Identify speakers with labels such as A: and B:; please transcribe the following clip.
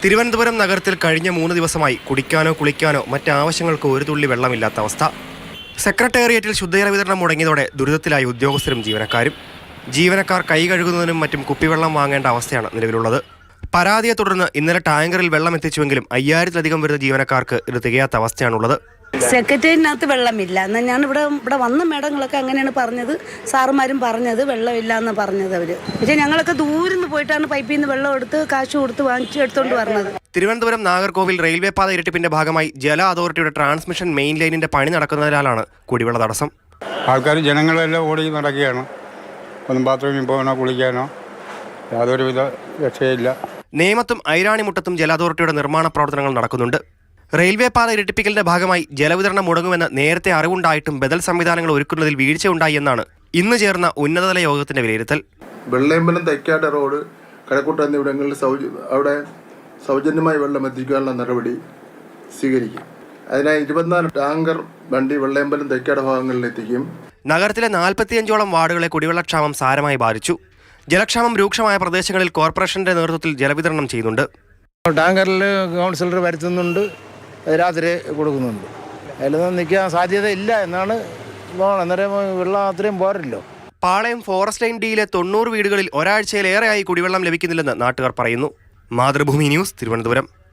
A: തിരുവനന്തപുരം നഗരത്തിൽ കഴിഞ്ഞ 3 ദിവസമായി കുടിക്കാനോ കുളിക്കാനോ മറ്റാവശ്യങ്ങൾക്ക് ഒരു തുള്ളി വെള്ളമില്ലാത്ത അവസ്ഥ. സെക്രട്ടേറിയറ്റിൽ ശുദ്ധജല വിതരണം മുടങ്ങിയതോടെ ദുരിതത്തിലായി ഉദ്യോഗസ്ഥരും ജീവനക്കാരും. ജീവനക്കാർ കൈ കഴുകുന്നതിനും മറ്റും കുപ്പിവെള്ളം വാങ്ങേണ്ട അവസ്ഥയാണ് നിലവിലുള്ളത്. പരാതിയെ തുടർന്ന് ഇന്നലെ ടാങ്കറിൽ വെള്ളം എത്തിച്ചുവെങ്കിലും 5000-ലധികം വരുന്ന ജീവനക്കാർക്ക് ഇത് തികയാത്ത അവസ്ഥയാണുള്ളത്.
B: സെക്രട്ടേറിയറ്റിനകത്ത് വെള്ളമില്ല എന്നാൽ ഞാൻ ഇവിടെ വന്ന മേഡങ്ങളൊക്കെ അങ്ങനെയാണ് പറഞ്ഞത്. സാറുമാരും പറഞ്ഞത് വെള്ളമില്ല എന്ന് പറഞ്ഞത് അവർ. പക്ഷേ ഞങ്ങളൊക്കെ ദൂരിന്ന് പോയിട്ടാണ് പൈപ്പിൽ നിന്ന് വെള്ളം എടുത്ത് കാശ് കൊടുത്ത് വാങ്ങിച്ച് എടുത്തുകൊണ്ട് വരുന്നത്.
A: തിരുവനന്തപുരം നാഗർകോവിൽ റെയിൽവേ പാത ഇരട്ടിപ്പിന്റെ ഭാഗമായി ജല അതോറിറ്റിയുടെ ട്രാൻസ്മിഷൻ മെയിൻ ലൈനിന്റെ പണി നടക്കുന്നതിനാലാണ് കുടിവെള്ള തടസ്സം.
C: ആൾക്കാർ ജനങ്ങളെല്ലാം ഓടി നടക്കുകയാണ്. ഒന്നും ബാത്റൂമിൽ പോകാനോ കുളിക്കാനോ യാതൊരുവിധ രക്ഷയില്ല.
A: നേമത്തും ഐരാണിമുട്ടത്തും ജല അതോറിറ്റിയുടെ നിർമ്മാണ പ്രവർത്തനങ്ങൾ നടക്കുന്നുണ്ട്. റെയിൽവേ പാത ഇരട്ടിപ്പിക്കലിന്റെ ഭാഗമായി ജലവിതരണം മുടങ്ങുമെന്ന് നേരത്തെ അറിവുണ്ടായിട്ടും ബദൽ സംവിധാനങ്ങൾ ഒരുക്കുന്നതിൽ വീഴ്ചയുണ്ടായി എന്നാണ് ഇന്ന് ചേർന്ന ഉന്നതതല യോഗത്തിന്റെ വിലയിരുത്തൽ.
D: വെള്ളയമ്പലം തൈക്കാട് റോഡ് കഴക്കൂട്ട എന്നിവിടങ്ങളിൽ അവിടെ സൗജന്യമായി വെള്ളം എത്തിക്കാനുള്ള നടപടി സ്വീകരിക്കും. അതിനായി 24 ടാങ്കർ വണ്ടി വെള്ളയമ്പലം തൈക്കാട് ഭാഗങ്ങളിൽ എത്തിക്കും.
A: നഗരത്തിലെ 45ഓളം വാർഡുകളെ കുടിവെള്ളക്ഷാമം സാരമായി ബാധിച്ചു. ജലക്ഷാമം രൂക്ഷമായ പ്രദേശങ്ങളിൽ കോർപ്പറേഷന്റെ നേതൃത്വത്തിൽ ജലവിതരണം ചെയ്യുന്നുണ്ട്.
E: ടാങ്കറിൽ കൗൺസിലർ വരുത്തുന്നുണ്ട്, രാത്രി കൊടുക്കുന്നുണ്ട്. അതിലൊന്നും നിൽക്കാൻ സാധ്യതയില്ല എന്നാണ് അന്നേരം വെള്ളം അത്രയും പോരല്ലോ.
A: പാളയം ഫോറസ്റ്റ് ലൈൻ ഡിയിലെ 90 വീടുകളിൽ ഒരാഴ്ചയിലേറെയായി കുടിവെള്ളം ലഭിക്കുന്നില്ലെന്ന് നാട്ടുകാർ പറയുന്നു. മാതൃഭൂമി ന്യൂസ്, തിരുവനന്തപുരം.